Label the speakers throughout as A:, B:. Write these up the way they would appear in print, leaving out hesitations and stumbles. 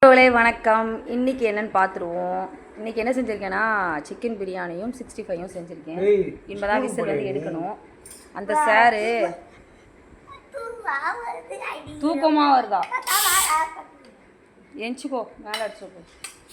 A: வணக்கம். இன்றைக்கி என்னென்னு பார்த்துருவோம். இன்றைக்கி என்ன செஞ்சுருக்கேன்னா சிக்கன் பிரியாணியும் 65யும் செஞ்சுருக்கேன். இனிமேதான் விசில் வந்து எடுக்கணும். அந்த சாரு தூக்கமாக வருதா? எஞ்சிக்கோ, மேலே அடிச்சுக்கோ.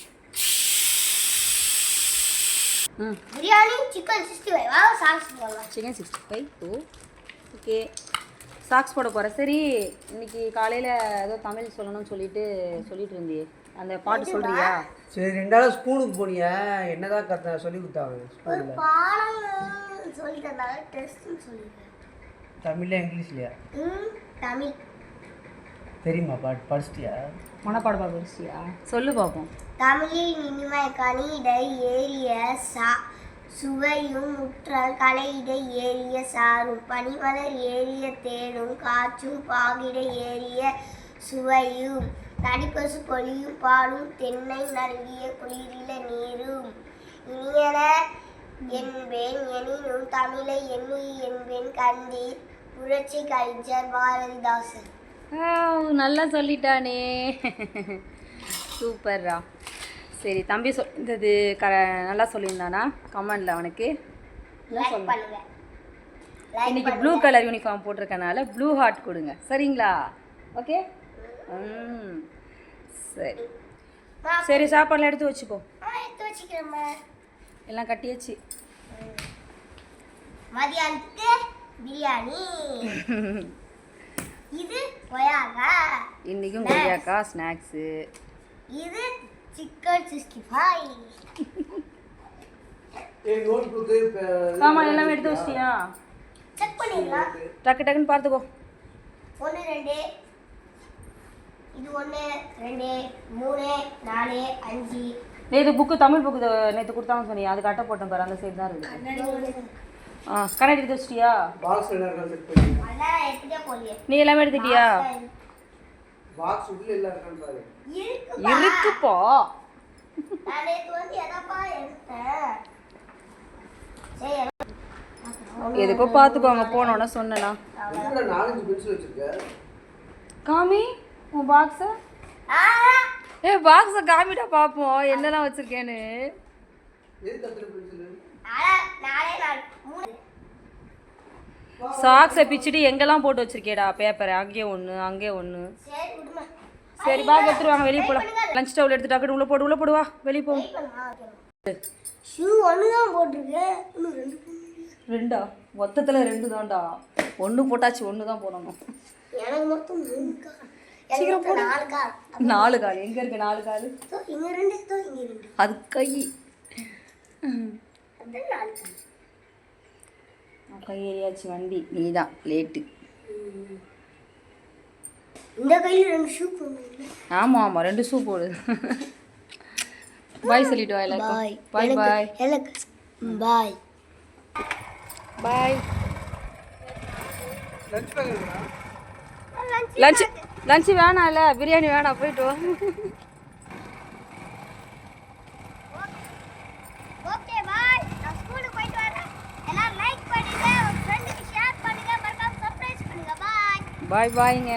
B: Biryani chicken 65
A: chicken 65 okay. Socks போட போகிறேன். சரி, இன்னைக்கு காலையில் ஏதோ தமிழ் சொல்லணும்னு சொல்லிட்டு இருந்தியே, அந்த பாட்டு சொல்கிறியா?
C: சரி, 2 நாள் ஸ்கூலுக்கு போனியா? என்னதான் சொல்லி கொடுத்தாங்க ஸ்கூலில்?
B: சொல்லி தந்தாங்க. டெஸ்ட்னு சொல்லிட்டேன்.
C: தமிழ்ல இங்கிலீஷ்லையா?
B: தமிழ்
C: தெரியுமா? படிச்சிட்டியா?
A: மனப்பாட படிச்சிட்டியா? சொல்லு பார்ப்போம்.
B: தமிழில் இனிமை கனிடை ஏறிய சுவையும் முற்றல் கலையிட ஏறிய சாரும் பனிமலர் ஏறிய தேனும் காற்றும் பாகிட ஏறிய சுவையும் தடிப்பசு பொழியும் பாலும் தென்னை நல்கிய குளிரில நீரும் இனியன என்பேன் எனினும் தமிழை எண்ணி என்பேன் கண்டீர் புரட்சி கலைஞர் பாரதிதாசன்.
A: நல்லா சொல்லிட்டானே, சூப்பர்ரா. சரி, தம்பி சொல்லியிருந்தது நல்லா சொல்லியிருந்தானா? கமெண்டில் அவனுக்கு இன்னைக்கு ப்ளூ கலர் யூனிஃபார்ம் போட்டிருக்கனால ப்ளூ ஹார்ட் கொடுங்க, சரிங்களா? ஓகே. சரி சரி, சாப்பாடுலாம் எடுத்து வச்சுக்கோ. எல்லாம் கட்டியாச்சு.
B: மதியானத்துக்கு பிரியாணி. இது கொய்யாக்கா.
A: இன்னைக்கும் கொய்யாக்கா ஸ்நாக்ஸு.
B: இது சிக்கன் 65.
A: ஆமா, எல்லாமே எடுத்து வச்சிட்டியா?
B: செக் பண்ணிடலாம்.
A: டக்குன்னு பார்த்துக்கோ.
B: 1 2 இது 1 2 3 4 5.
A: நேற்று புக்கு தமிழ் புக்கு நேற்று கொடுத்தாங்கன்னு சொன்னியா? அது கட்ட போட்டேன் பாரு, அந்த சைடு தான் இருக்குது. கண்ணாடி எடுத்து வச்சிட்டியா? நீ எல்லாமே எடுத்துட்டியா? இருக்குப்பா. எதுக்கோ பார்த்துக்கோங்க. போனோன்னா சொன்னா காமி உன் பாக்ஸ. பாக்ஸ காமிடா பார்ப்போம் என்னெல்லாம் வச்சிருக்கேன்னு. சாக்ஸை பிச்சுட்டு எங்கெல்லாம் போட்டு வச்சிருக்கேடா பேப்பரை. அங்கேயே ஒன்று அங்கேயே ஒன்று. சரி, பேக் எடுத்துட்டு வாங்க, வெளியே போகலாம். லஞ்ச் டவுல் எடுத்து டக்குனு உள்ள போடுவா, வெளியே போ.
B: ஷூ 1 தான் போட்டிருக்கேன். இன்னும் 2
A: 2 மொத்தத்தில் 2 தான்டா. 1 போட்டாச்சு, 1 தான் போடணும்.
B: எனக்கு மொத்தம் 3 கால்.
A: சீக்கிரம் போடு. 4 கால் எங்கே இருக்கு? 4 கால்
B: இங்கே 2 இங்கே 2.
A: அது கை. கை ஏறியாச்சு வண்டி. நீ தான் லேட்டு.
B: இந்த கையில் 2 ஷூ போடுங்க.
A: ஆமாம் ஆமாம், 2 ஷூ போடு. பாய் சொல்லிட்டு வா எல்லாருக்கும். பாய் பாய்.
B: பாய்
A: பாய். லஞ்ச் வேணாம் இல்லை, பிரியாணி வேணாம், போயிட்டு வா.
B: Okay bye. நான் ஸ்கூலுக்கு போயிட்டு வரேன். எல்லாரும் லைக் பண்ணுங்க, உங்க ஃப்ரெண்டுக்கு ஷேர் பண்ணுங்க, மறக்காம சப்ஸ்கிரைப் பண்ணுங்க. பாய்
A: பாய் பாய்ங்க.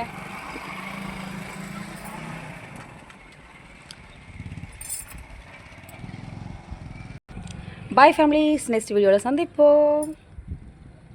A: பாய் ஃபேமிலிஸ், நெக்ஸ்ட் வீடியோவில் சந்திப்போம்.